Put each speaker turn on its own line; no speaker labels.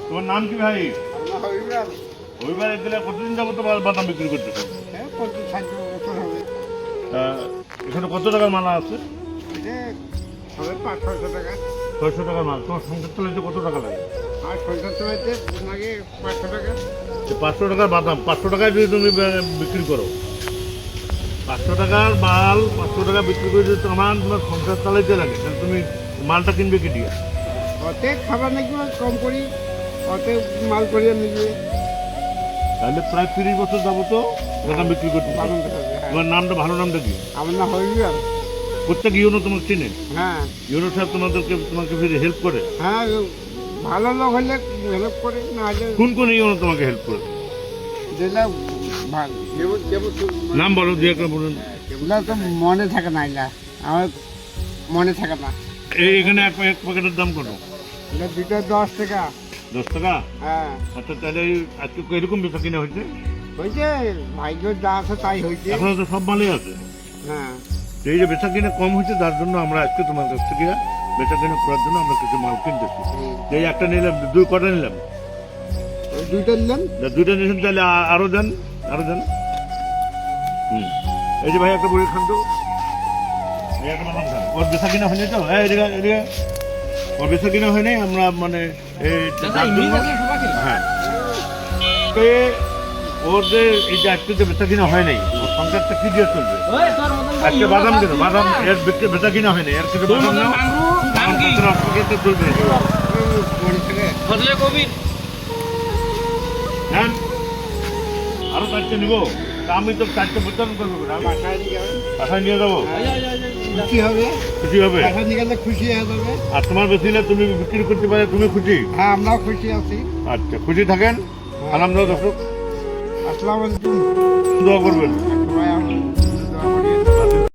তোমার নাম কি ভাই? রবিবার দিলে কতদিন যাবো তো বাদাম বিক্রি করতেছো? এখানে কত টাকার মালা আছে? 600 টাকার মাল। তোমার সংসার চালাইতে কত টাকা লাগে? 500 টাকার বাদাম 500 টাকায় যদি তুমি বিক্রি করো, 500 টাকার মাল 500 টাকা বিক্রি করে যদি তোমার সংসার চালাইতে লাগে, তাহলে তুমি মালটা কিনবে কি দিয়ে?
অতে খাবার নাকি কম করি, অতে মাল করিয়ে নিবে।
তাহলে প্রায় 30 বছর যাবো তো বাদাম বিক্রি করতে। তোমার নামটা, ভালো নামটা কি?
আমার না হইবে।
প্রত্যেক ইউনো তোমাকে চিনে?
হ্যাঁ
ইউনো সাহেব তোমাকে ফিরে হেল্প করে?
হ্যাঁ, ভালো লোক হলে হেল্প করে, না হলে
কোন কোন ইউনো তোমাকে হেল্প করে?
যেটা
নাম বলো, দিয়ে একটা বলুন।
এগুলো তো মনে থাকে না, এগুলা আমার মনে থাকে না।
এখানে এক প্যাকেটের দাম কত?
এটা দুটো 10 টাকা।
10 টাকা?
হ্যাঁ
আচ্ছা, তাহলে আজকে এরকম বেচা কিনা হয়েছে?
হয়েছে, ভাগ্য যা আছে তাই হয়েছে।
এখনো তো সব মালই আছে।
হ্যাঁ,
তো এই যে বেচা কিনা কম হয়েছে, তার জন্য আমরা আজকে তোমার কাছ থেকে বেচা কিনা করার জন্য আমরা কিছু মাল কিনতেছি। এই একটা নিলাম, দুই কটা নিলাম।
ওই দুইটা নিলেন।
দুইটা নিয়েছেন, তাহলে আরো দেন, আরো দেন। এই যে ভাই একটা বড়ি খান তো, এই একটা বাদাম খান। ওর বেচা কিনা হয়নি তো? এদিকে এদিকে, ওর বেচা কিনা হয়নি। আমরা মানে হ্যাঁ, ওর যে এই যে আজকে যে বেচা কিনা হয় নাই, ওর সংসারটা কি দিয়ে চলবে? আজকে বাদাম কেন? বাদাম এর বেচা কিনা হয়নি, এর কিছু বাদাম নাও, চলবে। হ্যাঁ, আরো 4টে নিবো। আমি তো 4টে বিতরণ করবো, বাসায় নিয়ে যাবো।
খুশি হবে,
খুশি হবে?
টাকা নিয়ে গেলে খুশি হয়ে যাবে।
আর তোমার বেশিলে তুমি বিক্রি করতে পারে, তুমি খুশি?
হ্যাঁ, আমরাও খুশি আছি।
আচ্ছা, খুশি থাকেন। আলহামদুলিল্লাহ। দর্শক
আসসালামু আলাইকুম।
দোয়া করবেন।